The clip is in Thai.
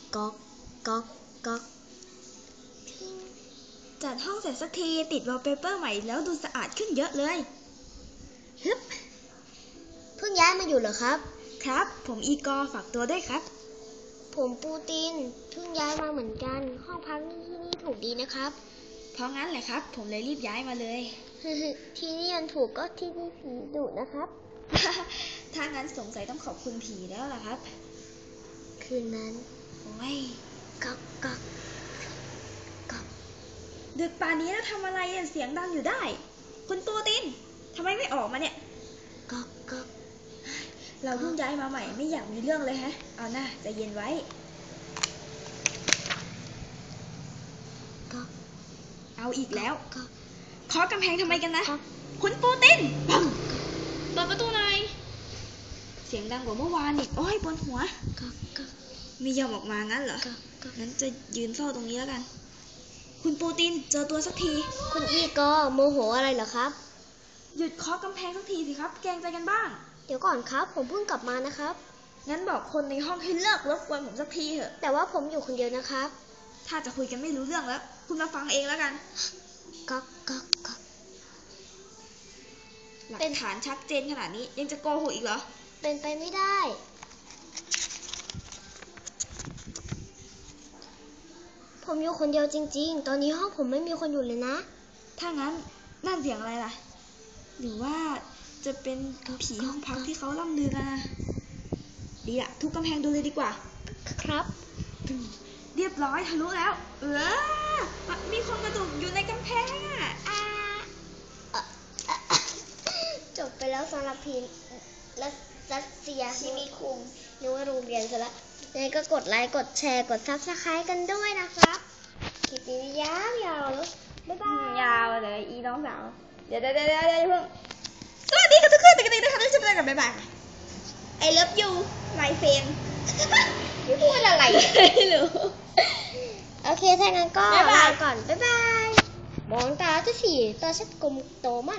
ก๊อกก๊อกก๊อกจัดห้องเสร็จสักทีติดวอลเปเปอร์ใหม่แล้วดูสะอาดขึ้นเยอะเลยฮึบเพิ่งย้ายมาอยู่เหรอครับครับผมอีกอร์ฝากตัวด้วยครับผมปูตินเพิ่งย้ายมาเหมือนกันห้องพักที่นี่ถูกดีนะครับเพราะงั้นแหละครับผมเลยรีบย้ายมาเลยที่นี่มันถูกก็ที่นี่ผีดุนะครับถ้างั้นสงสัยต้องขอบคุณผีแล้วล่ะครับคืนนั้นโอ้ยก๊อกก๊อกก๊อกดึกป่านนี้แล้วทำอะไรเสียงดังอยู่ได้คุณปูตินทำไมไม่ออกมาเนี่ยก๊อกก๊อกเราเพิ่งย้ายมาใหม่ไม่อยากมีเรื่องเลยฮะเอาหน้าใจเย็นไว้ก๊อกเอาอีกแล้วก๊อกเคาะกำแพงทำไมกันนะคุณปูตินปังเปิดประตูหน่อยเสียงดังกว่าเมื่อวานอีกโอ้ยปวดหัวไม่ยอมออกมางั้นเหรองั้นจะยืนเฝ้าตรงนี้แล้วกันคุณปูตินเจอตัวสักทีคุณอีกอโมโหอะไรเหรอครับหยุดเคาะกำแพงสักทีสิครับแกรงใจกันบ้างเดี๋ยวก่อนครับผมเพิ่งกลับมานะครับงั้นบอกคนในห้องให้เลิกรบกวนผมสักทีเถอะแต่ว่าผมอยู่คนเดียวนะครับถ้าจะคุยกันไม่รู้เรื่องแล้วคุณมาฟังเองแล้วกันก๊อกก๊อกก๊อกหลักฐานชัดเจนขนาดนี้ยังจะโกหกอีกเหรอเป็นไปไม่ได้ผมอยู่คนเดียวจริงๆตอนนี้ห้องผมไม่มีคนอยู่เลยนะถ้างั้นนั่นเสียงอะไรล่ะหรือว่าจะเป็นผีห้องพักที่เขาล่ำลือกันนะดีอะทุบกำแพงดูเลยดีกว่าครับเรียบร้อยทะลุแล้วมีคนกระตุกอยู่ในกำแพงจบไปแล้วสำหรับพีรัสเซียที่มีคุมนึกว่าโรงเรียนซะละยังไงก็กดไลค์กดแชร์กดซับสไครต์กันด้วยนะครับคลิปนี้ยาวแล้วบ๊ายบายยาวเลยอีน้องสาวเดี๋ยวเพิ่งสวัสดีค่ะทุกคนตื่นกันนะคะทุกคนกันบ๊ายบายI love you my friend ไม่พูดอะไรไม่รู้โอเคถ้างั้นก็ลาก่อนบ๊ายบายมองตาจะสีตาชัดกลมโตมาก